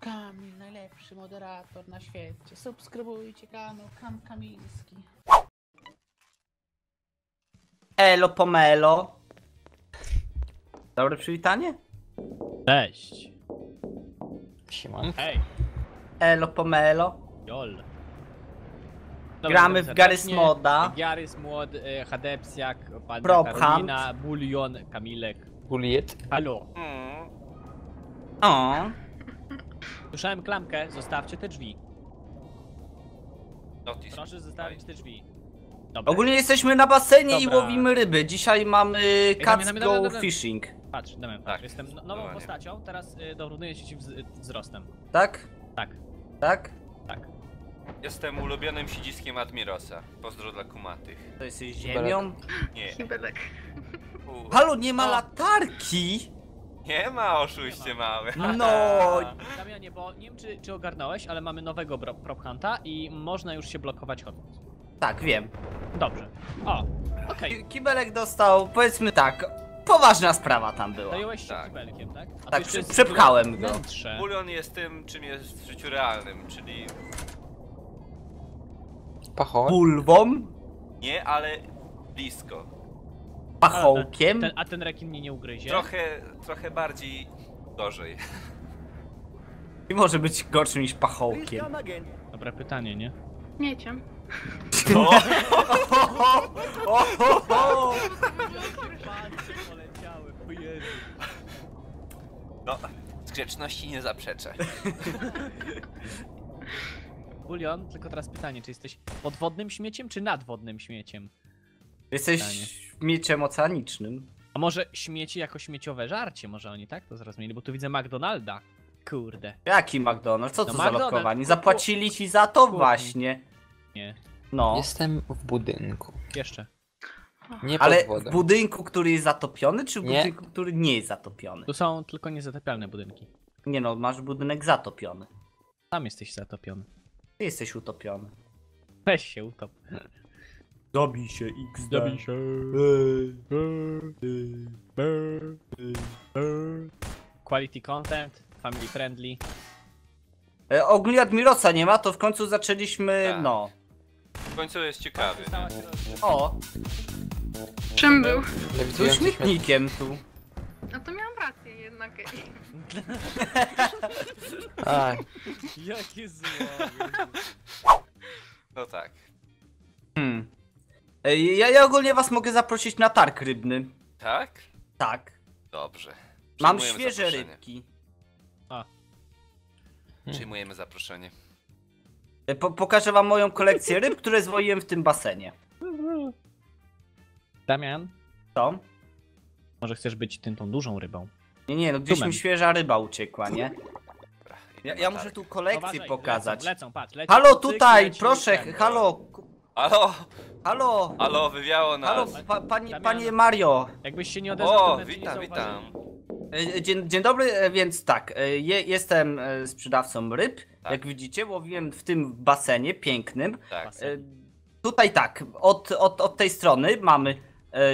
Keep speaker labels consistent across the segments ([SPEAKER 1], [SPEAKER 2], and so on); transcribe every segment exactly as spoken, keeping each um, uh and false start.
[SPEAKER 1] Kamil, najlepszy moderator na świecie. Subskrybujcie kanał Kam Kamilski.
[SPEAKER 2] Elo pomelo. Dobre przywitanie?
[SPEAKER 3] Cześć.
[SPEAKER 4] Siemon.
[SPEAKER 3] Hej.
[SPEAKER 2] Elo pomelo.
[SPEAKER 3] Jol.
[SPEAKER 2] Gramy w Garry's Moda.
[SPEAKER 3] Garry's Mod, e, Hadepsiak, Pan
[SPEAKER 2] Prop
[SPEAKER 3] Karolina, Bulion, Kamilek.
[SPEAKER 4] Juliet.
[SPEAKER 3] Halo.
[SPEAKER 2] Mm. O.
[SPEAKER 3] Słyszałem klamkę, zostawcie te drzwi.
[SPEAKER 5] Notis.
[SPEAKER 3] Proszę zostawić te drzwi. Dobra.
[SPEAKER 2] Ogólnie jesteśmy na basenie
[SPEAKER 3] Dobra.
[SPEAKER 2] i łowimy ryby. Dzisiaj mamy
[SPEAKER 3] Damian,
[SPEAKER 2] Cats
[SPEAKER 3] Damian,
[SPEAKER 2] Go
[SPEAKER 3] Damian, Damian.
[SPEAKER 2] Fishing.
[SPEAKER 3] Patrz, Damian, patrz,
[SPEAKER 5] Tak.
[SPEAKER 3] jestem no- nową
[SPEAKER 5] Normalnie.
[SPEAKER 3] postacią, teraz y, dorównuję się ci wz wzrostem.
[SPEAKER 2] Tak?
[SPEAKER 3] Tak,
[SPEAKER 2] Tak?
[SPEAKER 3] tak.
[SPEAKER 5] Jestem ulubionym siedziskiem Admirosa. Pozdro dla kumatych.
[SPEAKER 2] To jesteś ziemią?
[SPEAKER 5] Nie.
[SPEAKER 6] Kibelek.
[SPEAKER 5] U,
[SPEAKER 2] Halo, nie ma
[SPEAKER 3] O.
[SPEAKER 2] latarki!
[SPEAKER 5] nie ma oszuście mały.
[SPEAKER 2] No.
[SPEAKER 3] Damianie, bo nie wiem czy, czy ogarnąłeś, ale mamy nowego bro- prop hunta i można już się blokować chodząc.
[SPEAKER 2] Tak, wiem.
[SPEAKER 3] Dobrze. O, okej.
[SPEAKER 2] Ki- Kibelek dostał, powiedzmy tak, poważna sprawa tam była.
[SPEAKER 3] Zająłeś się
[SPEAKER 5] Tak.
[SPEAKER 3] kibelkiem, tak? A to
[SPEAKER 2] Tak,
[SPEAKER 3] jeszcze
[SPEAKER 2] przy-
[SPEAKER 3] jest
[SPEAKER 2] przepchałem go.
[SPEAKER 3] wnętrze.
[SPEAKER 5] Bulion jest tym, czym jest w życiu realnym, czyli
[SPEAKER 4] Pachołek.
[SPEAKER 2] Bulwą,
[SPEAKER 5] nie, ale blisko.
[SPEAKER 2] pachołkiem.
[SPEAKER 3] Ten, a ten rekin mnie nie ugryzie?
[SPEAKER 5] Trochę, trochę bardziej gorzej.
[SPEAKER 2] I może być gorszym niż pachołkiem.
[SPEAKER 3] Dobre pytanie, nie?
[SPEAKER 6] Mieciem.
[SPEAKER 5] O!
[SPEAKER 3] poleciały, o Jezu.
[SPEAKER 5] No, z grzeczności nie zaprzeczę.
[SPEAKER 3] Bulion, tylko teraz pytanie, czy jesteś podwodnym śmieciem, czy nadwodnym śmieciem?
[SPEAKER 2] Jesteś
[SPEAKER 3] Pytanie.
[SPEAKER 2] mieczem oceanicznym.
[SPEAKER 3] A może śmieci jako śmieciowe żarcie, może oni tak to zrozumieli, bo tu widzę McDonalda. Kurde.
[SPEAKER 2] Jaki McDonald's? Co to
[SPEAKER 3] No
[SPEAKER 2] za
[SPEAKER 3] McDonald's,
[SPEAKER 2] lokowanie?
[SPEAKER 3] ku-
[SPEAKER 2] Zapłacili ci za to
[SPEAKER 3] ku-
[SPEAKER 2] właśnie.
[SPEAKER 3] Nie,
[SPEAKER 2] No.
[SPEAKER 4] Jestem w budynku.
[SPEAKER 3] jeszcze.
[SPEAKER 4] Nie pod
[SPEAKER 2] Ale w
[SPEAKER 4] wodą.
[SPEAKER 2] budynku, który jest zatopiony, czy w
[SPEAKER 4] Nie.
[SPEAKER 2] budynku, który nie jest zatopiony?
[SPEAKER 3] Tu są tylko niezatapialne budynki.
[SPEAKER 2] Nie no, masz budynek zatopiony.
[SPEAKER 3] Tam jesteś zatopiony.
[SPEAKER 2] Ty jesteś utopiony.
[SPEAKER 3] Weź się utop.
[SPEAKER 2] Dobij się, X.
[SPEAKER 3] Dobij się. Quality content, family friendly.
[SPEAKER 2] E, ogólnie Admirosa nie ma, to w końcu zaczęliśmy,
[SPEAKER 5] Tak.
[SPEAKER 2] no.
[SPEAKER 5] W końcu jest ciekawy.
[SPEAKER 3] Stała się
[SPEAKER 2] O,
[SPEAKER 6] Czym był?
[SPEAKER 2] tu
[SPEAKER 4] Lewitujący śmieć.
[SPEAKER 2] śmietnikiem tu.
[SPEAKER 6] No to miałam rację jednak.
[SPEAKER 4] Aj,
[SPEAKER 3] Jakie zło.
[SPEAKER 5] No tak.
[SPEAKER 2] Hmm. E, ja, ja ogólnie was mogę zaprosić na targ rybny.
[SPEAKER 5] Tak?
[SPEAKER 2] Tak.
[SPEAKER 5] Dobrze.
[SPEAKER 2] Mam
[SPEAKER 5] Przyjmujemy
[SPEAKER 2] świeże
[SPEAKER 5] zaproszenie.
[SPEAKER 2] rybki.
[SPEAKER 5] Przyjmujemy zaproszenie.
[SPEAKER 2] E, po, pokażę wam moją kolekcję ryb, które zwoiłem w tym basenie.
[SPEAKER 3] Damian,
[SPEAKER 2] Co?
[SPEAKER 3] może chcesz być tym tą dużą rybą?
[SPEAKER 2] Nie, nie, no gdzieś
[SPEAKER 3] Tumem.
[SPEAKER 2] mi świeża ryba uciekła, nie?
[SPEAKER 5] Dobra,
[SPEAKER 2] Ja,
[SPEAKER 5] idziemy
[SPEAKER 2] ja
[SPEAKER 5] na
[SPEAKER 2] muszę
[SPEAKER 5] targ.
[SPEAKER 2] tu kolekcję
[SPEAKER 3] Uważaj,
[SPEAKER 2] pokazać.
[SPEAKER 3] Lecą, lecą, patrz, lecą.
[SPEAKER 2] Halo,
[SPEAKER 3] Cyk,
[SPEAKER 2] tutaj,
[SPEAKER 3] leci
[SPEAKER 2] proszę,
[SPEAKER 3] ten.
[SPEAKER 2] halo,
[SPEAKER 5] Halo!
[SPEAKER 2] halo,
[SPEAKER 5] Halo, wywiało nas!
[SPEAKER 2] halo, pa, panie,
[SPEAKER 3] Damian.
[SPEAKER 2] panie Mario.
[SPEAKER 3] Jakbyś się nie odezwał, to
[SPEAKER 5] O,
[SPEAKER 3] nawet cię nie
[SPEAKER 5] witam,
[SPEAKER 3] zauważyli.
[SPEAKER 5] witam.
[SPEAKER 2] E, Dzień, dzień dobry, e, więc tak, e, je, jestem e, sprzedawcą ryb.
[SPEAKER 5] Tak.
[SPEAKER 2] Jak widzicie, łowiłem w tym basenie pięknym.
[SPEAKER 5] Tak.
[SPEAKER 2] E, Tutaj tak, od, od, od tej strony mamy. E,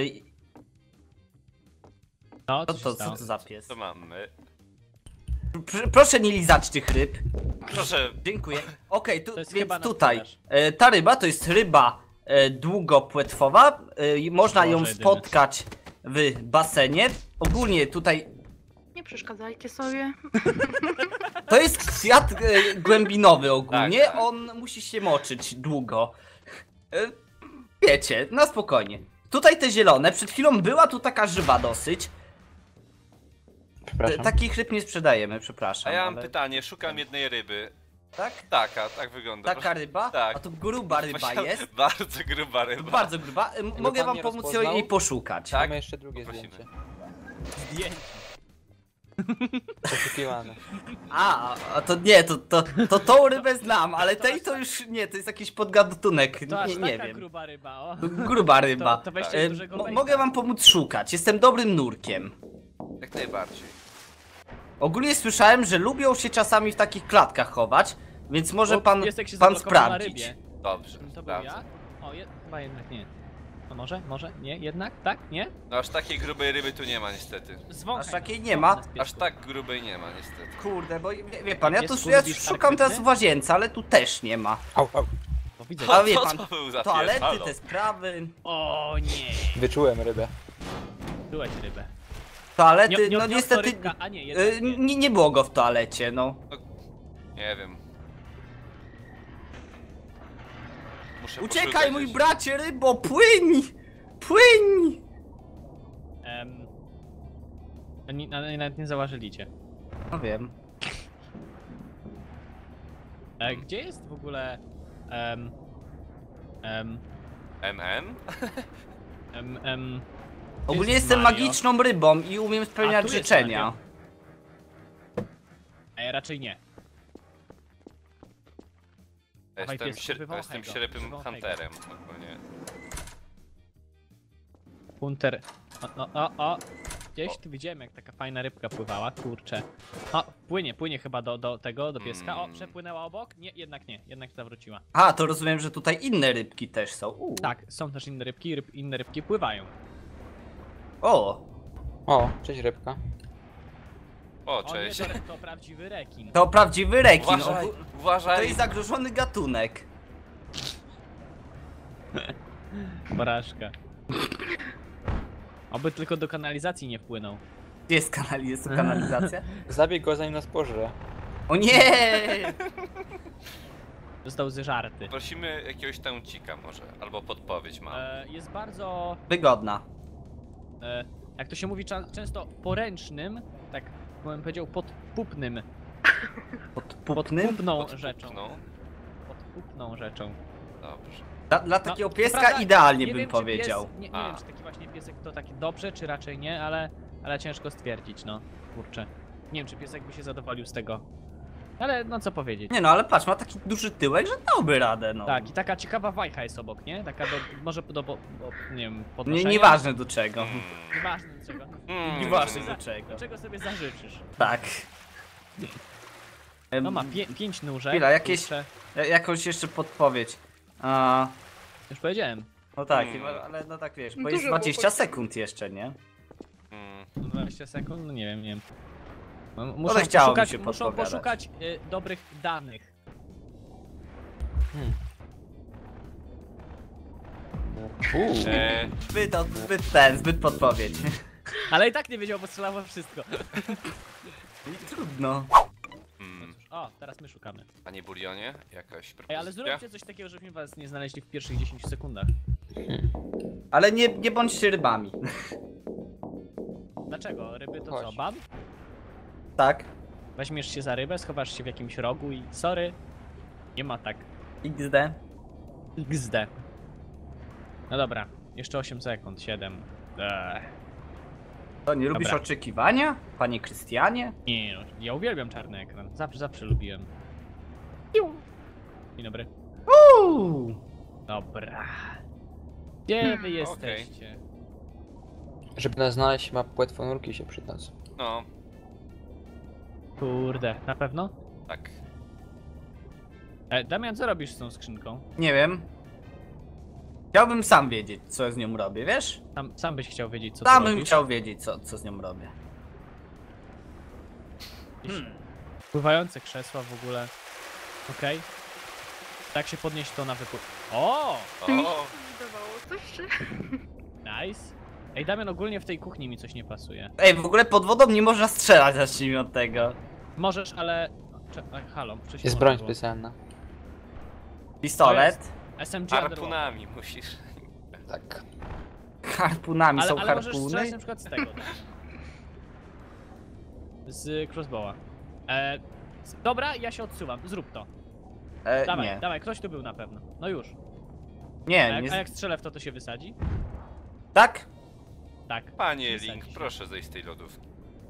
[SPEAKER 3] No,
[SPEAKER 2] Co
[SPEAKER 3] co,
[SPEAKER 2] to,
[SPEAKER 3] się
[SPEAKER 2] co
[SPEAKER 3] stało?
[SPEAKER 2] to za pies?
[SPEAKER 5] Co mamy?
[SPEAKER 2] Pr- Proszę nie lizać tych ryb.
[SPEAKER 5] Proszę,
[SPEAKER 2] Dziękuję. Okej, tu,
[SPEAKER 3] To jest
[SPEAKER 2] więc
[SPEAKER 3] chyba na
[SPEAKER 2] tutaj.
[SPEAKER 3] sprzedaż.
[SPEAKER 2] E, ta ryba to jest ryba e, długopłetwowa. E, i można ją
[SPEAKER 3] Boże jedyny.
[SPEAKER 2] spotkać w basenie. Ogólnie tutaj
[SPEAKER 6] Nie przeszkadzajcie sobie.
[SPEAKER 2] to jest kwiat e, głębinowy ogólnie.
[SPEAKER 5] Tak, tak.
[SPEAKER 2] On musi się moczyć długo. E, wiecie, na spokojnie. Tutaj te zielone. Przed chwilą była tu taka żywa dosyć. E,
[SPEAKER 4] przepraszam.
[SPEAKER 2] takich ryb nie sprzedajemy,
[SPEAKER 5] a
[SPEAKER 2] przepraszam.
[SPEAKER 5] ja mam
[SPEAKER 2] ale-
[SPEAKER 5] pytanie, szukam jednej ryby.
[SPEAKER 2] Tak?
[SPEAKER 5] Taka, tak wygląda.
[SPEAKER 2] Taka ryba?
[SPEAKER 5] Tak.
[SPEAKER 2] A to gruba ryba
[SPEAKER 5] Właśnie
[SPEAKER 2] jest.
[SPEAKER 5] Bardzo gruba ryba.
[SPEAKER 2] Bardzo gruba. E, Mogę
[SPEAKER 4] pan
[SPEAKER 2] wam
[SPEAKER 4] nie
[SPEAKER 2] pomóc
[SPEAKER 4] rozpoznał?
[SPEAKER 2] jej poszukać.
[SPEAKER 5] Tak.
[SPEAKER 4] Mamy jeszcze drugie
[SPEAKER 5] Poprosimy.
[SPEAKER 4] zdjęcie.
[SPEAKER 3] Zdjęcie.
[SPEAKER 4] Poszukiwane.
[SPEAKER 2] A, a to nie, to, to, to tą rybę znam, ale tej to już nie, to jest jakiś podgadunek,
[SPEAKER 3] To aż
[SPEAKER 2] nie, nie
[SPEAKER 3] taka
[SPEAKER 2] wiem.
[SPEAKER 3] gruba ryba, o.
[SPEAKER 2] Gruba ryba.
[SPEAKER 3] To, to weźcie
[SPEAKER 2] E,
[SPEAKER 3] dużego
[SPEAKER 2] mo-
[SPEAKER 3] bejta.
[SPEAKER 2] mogę wam pomóc szukać, jestem dobrym nurkiem.
[SPEAKER 5] Jak najbardziej.
[SPEAKER 2] Ogólnie słyszałem, że lubią się czasami w takich klatkach chować, więc może
[SPEAKER 3] Bo
[SPEAKER 2] pan,
[SPEAKER 3] piesek się
[SPEAKER 2] pan
[SPEAKER 3] zablokował na
[SPEAKER 2] sprawdzić.
[SPEAKER 3] rybie.
[SPEAKER 5] Dobrze.
[SPEAKER 3] To był
[SPEAKER 5] sprawdzę.
[SPEAKER 3] ja? O, je... chyba jednak nie. No może, może, nie, jednak, tak, nie?
[SPEAKER 5] No aż takiej grubej ryby tu nie ma niestety.
[SPEAKER 3] Zwąchaj.
[SPEAKER 2] Aż takiej
[SPEAKER 3] nas,
[SPEAKER 2] nie
[SPEAKER 3] zwąchaj
[SPEAKER 2] ma?
[SPEAKER 3] nas, piesku.
[SPEAKER 5] Aż tak grubej nie ma niestety.
[SPEAKER 2] Kurde, bo wie, wie pan, ja tu
[SPEAKER 3] Piesku,
[SPEAKER 2] ja
[SPEAKER 3] lubisz
[SPEAKER 2] szukam teraz
[SPEAKER 3] skarpety?
[SPEAKER 2] w łazience, ale tu też nie ma.
[SPEAKER 4] Au, au.
[SPEAKER 3] No widzę.
[SPEAKER 2] A wie
[SPEAKER 5] Co
[SPEAKER 2] pan,
[SPEAKER 5] to był za
[SPEAKER 2] toalety,
[SPEAKER 5] pies? Halo?
[SPEAKER 2] te sprawy,
[SPEAKER 3] O nie,
[SPEAKER 4] Wyczułem rybę.
[SPEAKER 3] byłeś rybę.
[SPEAKER 2] toalety,
[SPEAKER 3] Nie, nie,
[SPEAKER 2] no
[SPEAKER 3] nie
[SPEAKER 2] niestety
[SPEAKER 3] rybka, a nie,
[SPEAKER 2] y,
[SPEAKER 3] jednak nie.
[SPEAKER 2] nie, nie było go w toalecie, no.
[SPEAKER 5] Nie wiem. Muszę
[SPEAKER 2] Uciekaj
[SPEAKER 5] poszukać
[SPEAKER 2] mój
[SPEAKER 5] jeszcze.
[SPEAKER 2] bracie rybo, płyń! Płyń!
[SPEAKER 3] Em, ani- ani- nawet nie zauważyli cię.
[SPEAKER 2] No wiem.
[SPEAKER 3] E, gdzie jest w ogóle... em, em,
[SPEAKER 5] M M?
[SPEAKER 3] em, em,
[SPEAKER 2] Ogólnie
[SPEAKER 3] jest
[SPEAKER 2] jestem
[SPEAKER 3] Mario?
[SPEAKER 2] magiczną rybą i umiem
[SPEAKER 3] A,
[SPEAKER 2] spełniać
[SPEAKER 3] tu jest
[SPEAKER 2] życzenia.
[SPEAKER 3] Mario. E, raczej nie.
[SPEAKER 5] Ja
[SPEAKER 3] Dawaj,
[SPEAKER 5] jestem,
[SPEAKER 3] piesku,
[SPEAKER 5] śre... ja
[SPEAKER 3] wywołaj
[SPEAKER 5] jestem
[SPEAKER 3] go,
[SPEAKER 5] ślepym
[SPEAKER 3] wywołaj go.
[SPEAKER 5] hunterem ogólnie.
[SPEAKER 3] Hunter. O, o, o, o. Gdzieś tu widziałem, jak taka fajna rybka pływała, kurczę. O, płynie, płynie chyba do, do tego, do pieska. O,
[SPEAKER 5] Mm.
[SPEAKER 3] przepłynęła obok? Nie, jednak nie, jednak zawróciła.
[SPEAKER 2] A, to rozumiem, że tutaj inne rybki też są. U.
[SPEAKER 3] Tak, są też inne rybki, ryb, inne rybki pływają.
[SPEAKER 2] O,
[SPEAKER 4] O, cześć rybka.
[SPEAKER 5] O,
[SPEAKER 3] O nie,
[SPEAKER 5] cześć.
[SPEAKER 3] to, to prawdziwy rekin.
[SPEAKER 2] to prawdziwy rekin.
[SPEAKER 5] Uważaj,
[SPEAKER 2] Ogó- To
[SPEAKER 5] uważaj.
[SPEAKER 2] jest zagrożony gatunek.
[SPEAKER 3] Porażka. Oby tylko do kanalizacji nie wpłynął.
[SPEAKER 2] Gdzie jest, kanali jest tu kanalizacja?
[SPEAKER 4] Zabij go zanim nas pożre.
[SPEAKER 2] O nie!
[SPEAKER 3] Został zeżarty.
[SPEAKER 5] Prosimy jakiegoś taucika może, albo podpowiedź mam.
[SPEAKER 3] E, jest bardzo,
[SPEAKER 2] Wygodna.
[SPEAKER 3] e, jak to się mówi, cza- często poręcznym, tak bym powiedział podpupnym,
[SPEAKER 2] Podpupnym?
[SPEAKER 3] podpupną rzeczą.
[SPEAKER 5] No,
[SPEAKER 3] Podpupną rzeczą.
[SPEAKER 5] dobrze.
[SPEAKER 2] Dla, dla
[SPEAKER 3] No,
[SPEAKER 2] takiego
[SPEAKER 3] co
[SPEAKER 2] pieska
[SPEAKER 3] prawda,
[SPEAKER 2] idealnie
[SPEAKER 3] nie
[SPEAKER 2] bym
[SPEAKER 3] wiem, czy
[SPEAKER 2] powiedział.
[SPEAKER 3] Pies, nie nie
[SPEAKER 5] A.
[SPEAKER 3] wiem, czy taki właśnie piesek to taki dobrze, czy raczej nie, ale, ale ciężko stwierdzić, no. Kurczę. Nie wiem, czy piesek by się zadowolił z tego. Ale no co powiedzieć.
[SPEAKER 2] Nie no, ale patrz, ma taki duży tyłek, że dałby radę, no.
[SPEAKER 3] Tak, i taka ciekawa wajcha jest obok, nie? Taka do, może do, bo, bo, nie wiem,
[SPEAKER 2] Nie,
[SPEAKER 3] podnoszenia.
[SPEAKER 2] nieważne do czego.
[SPEAKER 5] Mm.
[SPEAKER 3] Nieważne do czego.
[SPEAKER 5] Mm.
[SPEAKER 2] Nieważne
[SPEAKER 3] Za-
[SPEAKER 2] do czego.
[SPEAKER 3] Do czego sobie zażyczysz.
[SPEAKER 2] Tak.
[SPEAKER 3] No ma
[SPEAKER 2] Em,
[SPEAKER 3] pię pięć nóżek.
[SPEAKER 2] Chwila, jakieś-
[SPEAKER 3] kurczę.
[SPEAKER 2] ja- jakąś jeszcze podpowiedź. A,
[SPEAKER 3] Już powiedziałem.
[SPEAKER 2] no tak,
[SPEAKER 5] Mm.
[SPEAKER 2] ale- ale no tak wiesz, bo
[SPEAKER 6] Dużo
[SPEAKER 2] jest
[SPEAKER 6] było
[SPEAKER 2] dwadzieścia
[SPEAKER 6] powiedziane.
[SPEAKER 2] sekund jeszcze, nie?
[SPEAKER 5] Mm.
[SPEAKER 3] dwadzieścia sekund? No nie wiem, nie wiem. No,
[SPEAKER 2] Ale
[SPEAKER 3] Muszą
[SPEAKER 2] chciało mi
[SPEAKER 3] poszukać,
[SPEAKER 2] się
[SPEAKER 3] muszą
[SPEAKER 2] podpowiadać.
[SPEAKER 3] poszukać y, dobrych danych.
[SPEAKER 4] Hmm. Uuu.
[SPEAKER 5] E,
[SPEAKER 2] Zbyt, od- zbyt ten, zbyt podpowiedź.
[SPEAKER 3] Ale i tak nie wiedział, bo strzelał we wszystko.
[SPEAKER 2] Trudno.
[SPEAKER 5] mm.
[SPEAKER 3] O, teraz my szukamy.
[SPEAKER 5] Panie Bulionie, jakaś
[SPEAKER 3] Ej,
[SPEAKER 5] propozycja?
[SPEAKER 3] ale zróbcie coś takiego, żebyśmy was nie znaleźli w pierwszych dziesięciu sekundach.
[SPEAKER 2] Ale nie, nie bądźcie rybami.
[SPEAKER 3] Dlaczego? Ryby to co,
[SPEAKER 4] Chodź.
[SPEAKER 3] ban?
[SPEAKER 2] Tak?
[SPEAKER 3] Weźmiesz się za rybę, schowasz się w jakimś rogu i sorry. Nie ma tak.
[SPEAKER 2] iks de.
[SPEAKER 3] iks de. No dobra, jeszcze osiem sekund, siedem. Eee.
[SPEAKER 2] To nie lubisz
[SPEAKER 3] Dobra.
[SPEAKER 2] oczekiwania? Panie Krystianie?
[SPEAKER 3] Nie no, ja uwielbiam czarny ekran. Zawsze, zawsze lubiłem. Dzień dobry.
[SPEAKER 2] Uuu.
[SPEAKER 3] Dobra. Gdzie wy jesteście?
[SPEAKER 4] Żeby nas znaleźć, ma płetwonurki się przydadzą.
[SPEAKER 5] No,
[SPEAKER 3] Kurde, na pewno?
[SPEAKER 5] tak.
[SPEAKER 3] E, Damian, co robisz z tą skrzynką?
[SPEAKER 2] Nie wiem. Chciałbym sam wiedzieć, co z nią robię, wiesz?
[SPEAKER 3] Sam, sam byś chciał wiedzieć, co
[SPEAKER 2] Sam
[SPEAKER 3] tu
[SPEAKER 2] bym
[SPEAKER 3] robisz.
[SPEAKER 2] chciał wiedzieć, co, co z nią robię.
[SPEAKER 3] Jakieś Pływające krzesła w ogóle. Okej. Tak się podnieść to na wypływ. O!
[SPEAKER 6] Mi się
[SPEAKER 5] O,
[SPEAKER 6] wydawało coś, czy...
[SPEAKER 3] Nice. Ej, Damian, ogólnie w tej kuchni mi coś nie pasuje.
[SPEAKER 2] Ej, w ogóle pod wodą nie można strzelać, zacznijmy od tego.
[SPEAKER 3] Możesz, ale... Cze- Ej, halo, wcześniej
[SPEAKER 4] Jest
[SPEAKER 3] można
[SPEAKER 4] broń
[SPEAKER 3] było.
[SPEAKER 4] specjalna.
[SPEAKER 2] Pistolet.
[SPEAKER 3] S M G Underwater.
[SPEAKER 5] harpunami musisz.
[SPEAKER 4] Tak.
[SPEAKER 2] Harpunami
[SPEAKER 3] Ale,
[SPEAKER 2] są
[SPEAKER 3] ale możesz
[SPEAKER 2] harpuny.
[SPEAKER 3] strzelać na przykład z tego. Tak? Z crossbowa. E, z- dobra, ja się odsuwam, zrób to.
[SPEAKER 2] E,
[SPEAKER 3] Dawaj,
[SPEAKER 2] nie.
[SPEAKER 3] dawaj, ktoś tu był na pewno. No już. A
[SPEAKER 2] Nie,
[SPEAKER 3] jak,
[SPEAKER 2] nie.
[SPEAKER 3] a jak strzelę w to, to się wysadzi?
[SPEAKER 2] Tak?
[SPEAKER 3] Tak.
[SPEAKER 5] Panie
[SPEAKER 3] Wysadzi
[SPEAKER 5] Link,
[SPEAKER 3] się.
[SPEAKER 5] proszę zejść z tej lodówki.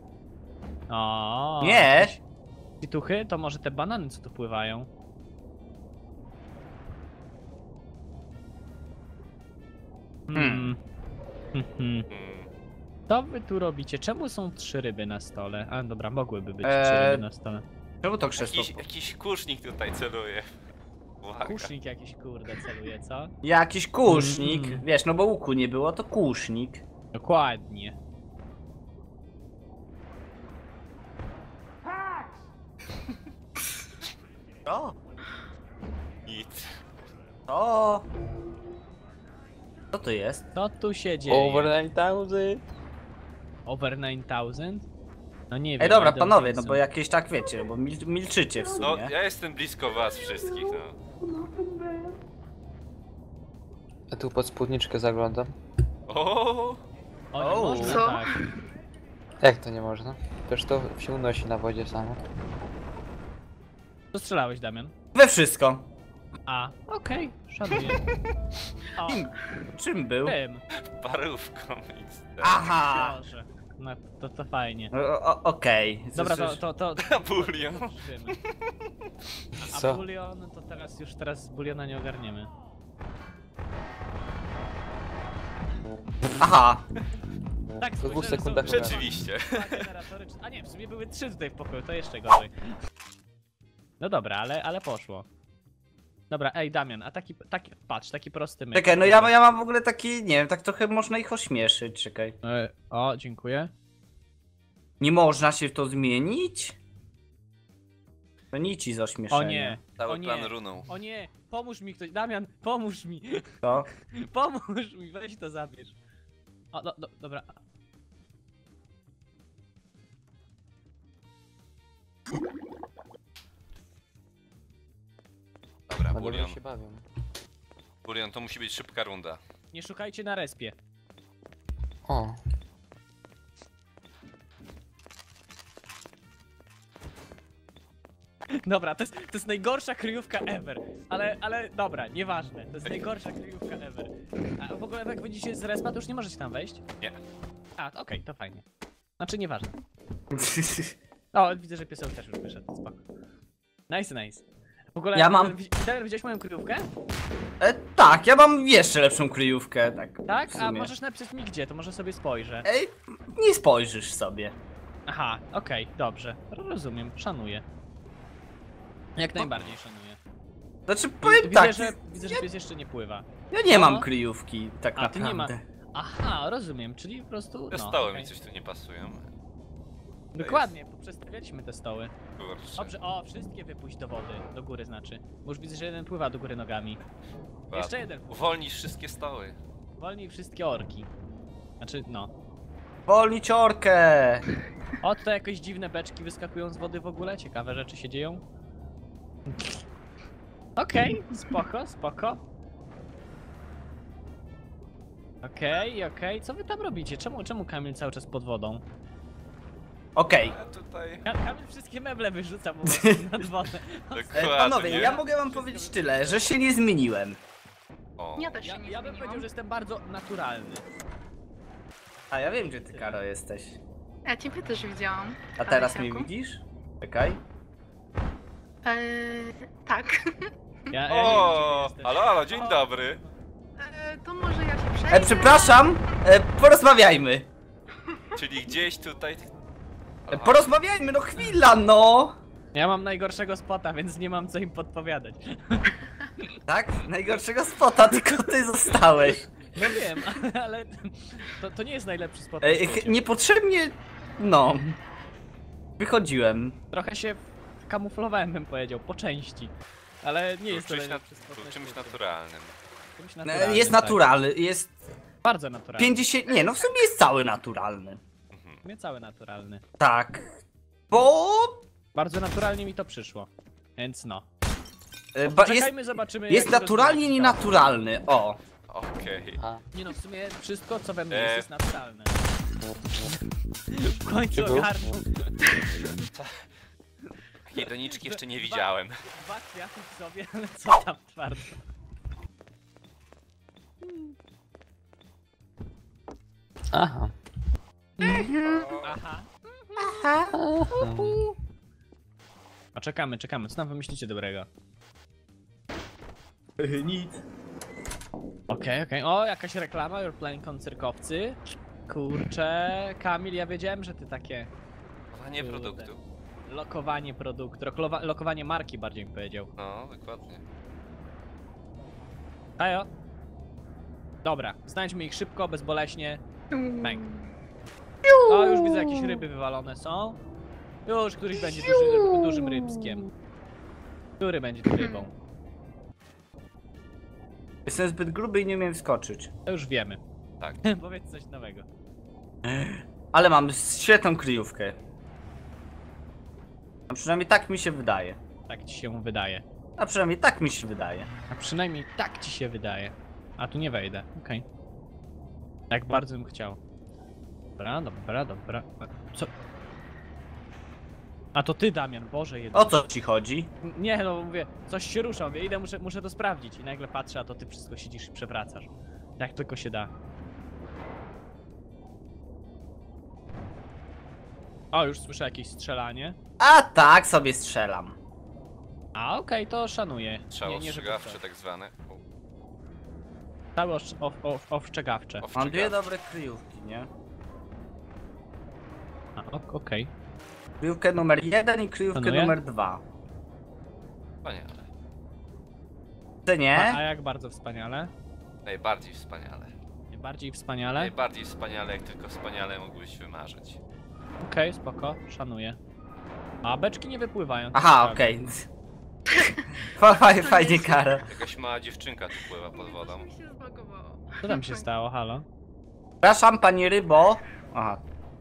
[SPEAKER 3] O,
[SPEAKER 2] Nie.
[SPEAKER 3] jakieś pituchy? To może te banany, co tu pływają? Hmm. Hmm.
[SPEAKER 5] Mm.
[SPEAKER 3] Co wy tu robicie? Czemu są trzy ryby na stole? A dobra, mogłyby być trzy
[SPEAKER 2] Eee,
[SPEAKER 3] ryby na stole.
[SPEAKER 2] Czemu to krzesło?
[SPEAKER 5] Jakiś, jakiś kusznik tutaj celuje. Uwaga.
[SPEAKER 3] Kusznik jakiś, kurde, celuje, co?
[SPEAKER 2] Jakiś kusznik.
[SPEAKER 3] Mm.
[SPEAKER 2] Wiesz, no bo łuku nie było, to kusznik.
[SPEAKER 3] Dokładnie.
[SPEAKER 2] O!
[SPEAKER 5] Nic.
[SPEAKER 2] O! Co to jest?
[SPEAKER 3] Co tu się dzieje?
[SPEAKER 4] Over nine thousand.
[SPEAKER 3] Over nine thousand? No nie wiem.
[SPEAKER 2] Ej, dobra,
[SPEAKER 3] I don't
[SPEAKER 2] panowie,
[SPEAKER 3] think
[SPEAKER 2] no
[SPEAKER 3] so.
[SPEAKER 2] bo jakieś tak wiecie, bo mil milczycie w
[SPEAKER 5] No,
[SPEAKER 2] sumie.
[SPEAKER 5] ja jestem blisko was wszystkich, no.
[SPEAKER 4] A tu pod spódniczkę zaglądam.
[SPEAKER 5] O,
[SPEAKER 3] O, nie
[SPEAKER 2] O.
[SPEAKER 3] można
[SPEAKER 6] Co?
[SPEAKER 3] tak.
[SPEAKER 4] Jak to nie można? Przecież to się unosi na wodzie samo.
[SPEAKER 3] Co strzelałeś, Damian?
[SPEAKER 2] We wszystko.
[SPEAKER 3] A, okej, szanuję. O,
[SPEAKER 2] Kim? Czym był?
[SPEAKER 3] tym.
[SPEAKER 5] parówką nic.
[SPEAKER 2] Aha!
[SPEAKER 3] Boże. No, to, to fajnie.
[SPEAKER 2] O- o- Okej.
[SPEAKER 3] Dobra, to,
[SPEAKER 2] Słyszysz?
[SPEAKER 3] to, to, to
[SPEAKER 5] Bulion.
[SPEAKER 3] zobaczymy. A
[SPEAKER 4] Co?
[SPEAKER 3] bulion, to teraz już teraz buliona nie ogarniemy.
[SPEAKER 2] Aha!
[SPEAKER 3] Tak,
[SPEAKER 4] Po dwóch
[SPEAKER 3] spojrzałem,
[SPEAKER 4] sekundach
[SPEAKER 3] są-
[SPEAKER 4] ogarnę.
[SPEAKER 5] Rzeczywiście.
[SPEAKER 3] dwa generatory, czy- a nie, w sumie były trzy tutaj w pokoju, to jeszcze gorzej. No dobra, ale, ale poszło. Dobra, ej Damian, a taki, taki, patrz, taki prosty myk.
[SPEAKER 2] Czekaj, no ja, ja mam w ogóle taki, nie wiem, tak trochę można ich ośmieszyć, czekaj.
[SPEAKER 3] E, o, dziękuję.
[SPEAKER 2] Nie można się w to zmienić? To nici z ośmieszenia.
[SPEAKER 3] O nie,
[SPEAKER 5] Cały
[SPEAKER 3] o nie,
[SPEAKER 5] plan runął.
[SPEAKER 3] o nie, pomóż mi ktoś, Damian, pomóż mi,
[SPEAKER 2] To?
[SPEAKER 3] pomóż mi, weź to zabierz. O, do, do, dobra.
[SPEAKER 5] Dobra,
[SPEAKER 4] A dobrze
[SPEAKER 5] bulion.
[SPEAKER 4] się bawią.
[SPEAKER 5] Bulion, to musi być szybka runda.
[SPEAKER 3] Nie szukajcie na respie.
[SPEAKER 4] O,
[SPEAKER 3] Dobra, to jest, to jest najgorsza kryjówka ever. Ale, ale dobra, nieważne. To jest najgorsza kryjówka ever. A w ogóle jak będziecie z respa, to już nie możecie tam wejść?
[SPEAKER 5] Nie.
[SPEAKER 3] A, okej, to fajnie. Znaczy nieważne. O, widzę, że pieseł też już wyszedł, spoko. Nice, nice. W ogóle,
[SPEAKER 2] Ja mam-
[SPEAKER 3] Damian, widziałeś moją kryjówkę?
[SPEAKER 2] E, tak, ja mam jeszcze lepszą kryjówkę, tak.
[SPEAKER 3] Tak?
[SPEAKER 2] w
[SPEAKER 3] A
[SPEAKER 2] sumie.
[SPEAKER 3] możesz napisać mi gdzie, to może sobie spojrzę.
[SPEAKER 2] Ej, nie spojrzysz sobie.
[SPEAKER 3] Aha, okej, dobrze. Rozumiem, szanuję. Jak najbardziej szanuję.
[SPEAKER 2] Znaczy, powiem
[SPEAKER 3] Widzę,
[SPEAKER 2] tak,
[SPEAKER 3] że, widzę, że pies jeszcze nie pływa.
[SPEAKER 2] ja nie mam
[SPEAKER 3] No.
[SPEAKER 2] kryjówki, tak
[SPEAKER 3] A, ty nie
[SPEAKER 2] naprawdę.
[SPEAKER 3] ma. Aha, rozumiem, czyli po prostu.
[SPEAKER 5] Te
[SPEAKER 3] No,
[SPEAKER 5] stoły
[SPEAKER 3] okej.
[SPEAKER 5] mi coś tu nie pasują.
[SPEAKER 3] Dokładnie, poprzestawialiśmy te stoły.
[SPEAKER 5] Kurczę.
[SPEAKER 3] Dobrze, o, wszystkie wypuść do wody, do góry znaczy. Bo już widzę, że jeden pływa do góry nogami.
[SPEAKER 5] Ładnie.
[SPEAKER 3] Jeszcze jeden pływa.
[SPEAKER 5] Uwolnisz wszystkie stoły.
[SPEAKER 3] Wolnij wszystkie orki. Znaczy, no.
[SPEAKER 2] Wolnić orkę!
[SPEAKER 3] O, tutaj jakieś dziwne beczki wyskakują z wody w ogóle, ciekawe rzeczy się dzieją. Okej, spoko, spoko. Okej, okej, co wy tam robicie? Czemu, czemu Kamil cały czas pod wodą?
[SPEAKER 2] Okej.
[SPEAKER 5] A tutaj...
[SPEAKER 3] Ka Kamil wszystkie meble wyrzuca po prostu nad wodę.
[SPEAKER 2] E,
[SPEAKER 5] Dokładnie.
[SPEAKER 2] Panowie, ja mogę wam powiedzieć tyle, że się nie zmieniłem.
[SPEAKER 5] O.
[SPEAKER 6] Ja też się
[SPEAKER 3] Ja,
[SPEAKER 6] nie
[SPEAKER 3] ja bym
[SPEAKER 6] zmieniłam.
[SPEAKER 3] powiedział, że jestem bardzo naturalny.
[SPEAKER 2] A ja wiem, gdzie ty, Karo, jesteś.
[SPEAKER 6] Ja ciebie też widziałam.
[SPEAKER 2] A teraz mnie
[SPEAKER 6] Alesiaku.
[SPEAKER 2] widzisz? Czekaj.
[SPEAKER 6] Eee, tak.
[SPEAKER 3] Ja, ja nie wiem,
[SPEAKER 5] O,
[SPEAKER 3] gdzie ty
[SPEAKER 5] halo,
[SPEAKER 3] jesteś.
[SPEAKER 5] halo, dzień
[SPEAKER 3] O.
[SPEAKER 5] dobry.
[SPEAKER 6] Eee, to może ja się przejdę.
[SPEAKER 2] E, przepraszam, e, porozmawiajmy.
[SPEAKER 5] Czyli gdzieś tutaj...
[SPEAKER 2] E, porozmawiajmy, no chwila, no!
[SPEAKER 3] Ja mam najgorszego spota, więc nie mam co im podpowiadać.
[SPEAKER 2] Tak? Najgorszego spota, tylko ty zostałeś.
[SPEAKER 3] No wiem, ale to, to nie jest najlepszy spot. na
[SPEAKER 2] E,
[SPEAKER 3] świecie.
[SPEAKER 2] ch- niepotrzebnie, no. Wychodziłem.
[SPEAKER 3] Trochę się kamuflowałem, bym powiedział, po części. Ale nie jest to
[SPEAKER 5] Czymś,
[SPEAKER 3] najlepszy
[SPEAKER 5] nat-
[SPEAKER 3] spot
[SPEAKER 5] był
[SPEAKER 3] na
[SPEAKER 5] czymś
[SPEAKER 3] świecie.
[SPEAKER 5] naturalnym.
[SPEAKER 3] Czymś
[SPEAKER 2] E,
[SPEAKER 3] naturalnym,
[SPEAKER 2] jest
[SPEAKER 3] tak.
[SPEAKER 2] naturalny, jest
[SPEAKER 3] Bardzo naturalny.
[SPEAKER 2] pięćdziesiąt, nie no w sumie jest cały naturalny.
[SPEAKER 3] Nie cały naturalny.
[SPEAKER 2] Tak. Bo...
[SPEAKER 3] Bardzo naturalnie mi to przyszło. Więc no.
[SPEAKER 2] E, ba, jest,
[SPEAKER 3] Czekajmy, zobaczymy.
[SPEAKER 2] jest
[SPEAKER 3] jak się
[SPEAKER 2] naturalnie
[SPEAKER 3] rozwinie
[SPEAKER 2] nienaturalny, o.
[SPEAKER 5] Okej.
[SPEAKER 4] a.
[SPEAKER 3] Nie no, w sumie wszystko co we mnie
[SPEAKER 5] E.
[SPEAKER 3] jest, jest naturalne. W końcu
[SPEAKER 4] Czy był?
[SPEAKER 3] ogarnął.
[SPEAKER 5] Takiej doniczki jeszcze nie widziałem.
[SPEAKER 3] Dwa kwiaty w sobie, ale co tam twardo.
[SPEAKER 4] Aha.
[SPEAKER 3] Aha.
[SPEAKER 4] Aha.
[SPEAKER 3] A czekamy, czekamy. Co tam wymyślicie dobrego?
[SPEAKER 2] Nic.
[SPEAKER 3] Okej, okej. O, jakaś reklama, You're playing koncerkowcy. Kurczę, Kamil, ja wiedziałem, że ty takie
[SPEAKER 5] Chowanie
[SPEAKER 3] Kurde.
[SPEAKER 5] produktu.
[SPEAKER 3] lokowanie produktu, loklowa- lokowanie marki bardziej bym powiedział.
[SPEAKER 5] No, dokładnie.
[SPEAKER 3] Hajo. Dobra, znajdźmy ich szybko, bezboleśnie. Bang. O, już widzę, jakieś ryby wywalone są. Już któryś będzie duży, dużym rybskiem. Który będzie tu rybą?
[SPEAKER 2] Jestem zbyt gruby i nie umiem wskoczyć.
[SPEAKER 3] To już wiemy.
[SPEAKER 5] Tak.
[SPEAKER 3] Powiedz coś nowego.
[SPEAKER 2] Ale mam świetną kryjówkę. A przynajmniej tak mi się wydaje.
[SPEAKER 3] Tak ci się wydaje.
[SPEAKER 2] A przynajmniej tak mi się wydaje.
[SPEAKER 3] A przynajmniej tak ci się wydaje. A tu nie wejdę, okej. Jak bardzo bym chciał. Dobra, dobra, dobra. Co? A to ty, Damian, Boże jeden.
[SPEAKER 2] O co ci chodzi?
[SPEAKER 3] Nie, no mówię, coś się rusza, mówię, idę, muszę, muszę to sprawdzić. I nagle patrzę, a to ty wszystko siedzisz i przewracasz. Jak tylko się da. O, już słyszę jakieś strzelanie.
[SPEAKER 2] A tak sobie strzelam.
[SPEAKER 3] A okej, to szanuję.
[SPEAKER 5] Strzał
[SPEAKER 3] Nie, nie, że
[SPEAKER 5] ostrzegawczy
[SPEAKER 3] to-
[SPEAKER 5] tak zwany. O,
[SPEAKER 3] Strzały osz- o- o- ostrzegawcze.
[SPEAKER 2] Mam
[SPEAKER 5] ostrzegawczy.
[SPEAKER 2] dwie dobre kryjówki, nie?
[SPEAKER 3] A, ok- okej.
[SPEAKER 2] Kryjówkę numer jeden i kryjówkę
[SPEAKER 3] Szanuję.
[SPEAKER 2] numer dwa.
[SPEAKER 5] Wspaniale.
[SPEAKER 2] Ty
[SPEAKER 3] A,
[SPEAKER 2] nie?
[SPEAKER 3] a jak bardzo wspaniale?
[SPEAKER 5] Najbardziej wspaniale.
[SPEAKER 3] Bardziej wspaniale?
[SPEAKER 5] Najbardziej wspaniale, jak tylko wspaniale mógłbyś wymarzyć.
[SPEAKER 3] Okej, spoko, szanuję. A beczki nie wypływają. to
[SPEAKER 2] Aha,
[SPEAKER 3] prawda.
[SPEAKER 2] okej. Fa- fa- Fajnie, Karol.
[SPEAKER 5] Jakaś mała dziewczynka tu pływa pod wodą.
[SPEAKER 6] Mi się zbagowało.
[SPEAKER 3] Co tam się stało, halo?
[SPEAKER 2] Przepraszam, pani rybo. Aha.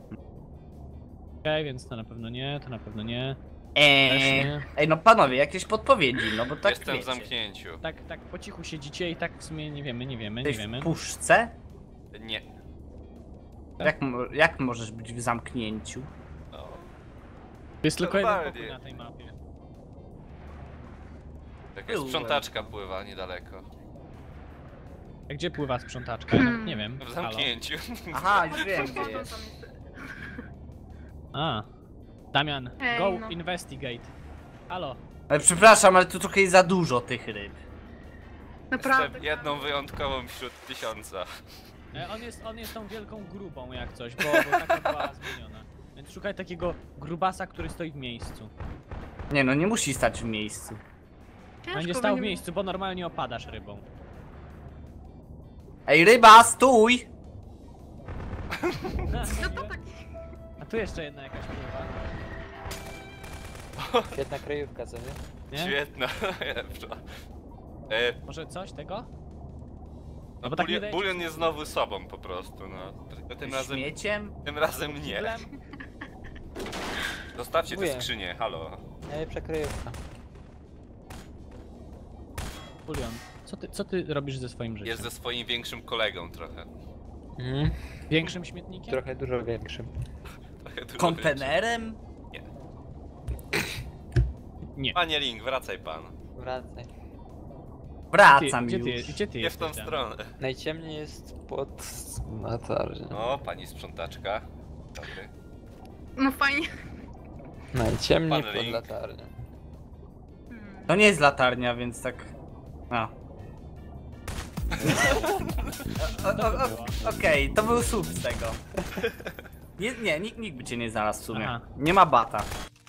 [SPEAKER 3] Okej, więc to na pewno nie, to na pewno nie. Też
[SPEAKER 2] Eee.
[SPEAKER 3] nie.
[SPEAKER 2] Ej, no panowie, jakieś podpowiedzi, no bo tak
[SPEAKER 5] Jestem w
[SPEAKER 2] wiecie.
[SPEAKER 5] zamknięciu.
[SPEAKER 3] Tak, tak po cichu siedzicie i tak w sumie nie wiemy, nie wiemy, nie
[SPEAKER 2] Jesteś
[SPEAKER 3] wiemy.
[SPEAKER 2] w puszce?
[SPEAKER 5] Nie.
[SPEAKER 2] Jak, mo- jak możesz być w zamknięciu?
[SPEAKER 5] No.
[SPEAKER 3] Jest tylko jeden
[SPEAKER 5] Normalnie.
[SPEAKER 3] pokój na tej mapie.
[SPEAKER 5] Jakaś
[SPEAKER 2] Byłem.
[SPEAKER 5] sprzątaczka pływa niedaleko.
[SPEAKER 3] A gdzie pływa sprzątaczka? Ja nawet nie wiem.
[SPEAKER 5] W
[SPEAKER 3] Halo?
[SPEAKER 5] zamknięciu.
[SPEAKER 2] Aha, już wiem
[SPEAKER 6] Pod
[SPEAKER 2] gdzie
[SPEAKER 6] wodą
[SPEAKER 2] jest.
[SPEAKER 6] tam jest.
[SPEAKER 3] A. Damian,
[SPEAKER 6] Ej,
[SPEAKER 3] go
[SPEAKER 6] no.
[SPEAKER 3] investigate. Halo.
[SPEAKER 2] Ale przepraszam, ale tu trochę jest za dużo tych ryb.
[SPEAKER 6] Naprawdę.
[SPEAKER 5] Jestem jedną wyjątkową wśród tysiąca.
[SPEAKER 3] E, on jest, on jest tą wielką grubą jak coś, bo, bo taka była zmieniona. Więc szukaj takiego grubasa, który stoi w miejscu.
[SPEAKER 2] Nie no, nie musi stać w miejscu.
[SPEAKER 6] Ciężko
[SPEAKER 3] Będzie stał w
[SPEAKER 6] będzie-
[SPEAKER 3] miejscu, bo normalnie opadasz rybą.
[SPEAKER 2] Ej, ryba, stój!
[SPEAKER 6] No to tak.
[SPEAKER 3] A tu jeszcze jedna jakaś pływa.
[SPEAKER 4] Świetna kryjówka, co nie?
[SPEAKER 3] Nie?
[SPEAKER 5] Świetna, najlepsza. E,
[SPEAKER 3] Może coś tego?
[SPEAKER 5] no
[SPEAKER 3] bo tak
[SPEAKER 5] bulion,
[SPEAKER 3] wydaje-
[SPEAKER 5] bulion jest znowu sobą po prostu, no. Tylko tym razem,
[SPEAKER 2] Śmieciem?
[SPEAKER 5] tym razem nie.
[SPEAKER 3] Kiblem?
[SPEAKER 5] Zostawcie tę
[SPEAKER 4] Dziękuję.
[SPEAKER 5] skrzynię, halo.
[SPEAKER 4] Najlepsza kryjówka.
[SPEAKER 3] Bulion, co ty, co ty robisz ze swoim życiem?
[SPEAKER 5] Jest ze swoim większym kolegą trochę.
[SPEAKER 4] Mhm.
[SPEAKER 3] Większym śmietnikiem?
[SPEAKER 4] Trochę dużo większym.
[SPEAKER 5] trochę dużo
[SPEAKER 2] Kontenerem?
[SPEAKER 5] większym.
[SPEAKER 3] Nie.
[SPEAKER 5] Panie Link, wracaj pan.
[SPEAKER 4] Wracaj.
[SPEAKER 3] Ty,
[SPEAKER 2] Wracam
[SPEAKER 3] gdzie,
[SPEAKER 2] już.
[SPEAKER 3] ty, gdzie ty
[SPEAKER 5] Nie w tą
[SPEAKER 3] jesteś,
[SPEAKER 5] stronę.
[SPEAKER 4] Najciemniej jest pod latarnią.
[SPEAKER 5] O, pani sprzątaczka. Dobry.
[SPEAKER 6] No fajnie.
[SPEAKER 4] Najciemniej
[SPEAKER 5] Pan
[SPEAKER 4] pod
[SPEAKER 5] Link.
[SPEAKER 4] latarnią.
[SPEAKER 6] Hmm.
[SPEAKER 2] To nie jest latarnia, więc tak... A. O- o- o- Okej, to był słup z tego. Nie, nie nikt, nikt by cię nie znalazł w sumie.
[SPEAKER 3] Aha.
[SPEAKER 2] Nie ma bata.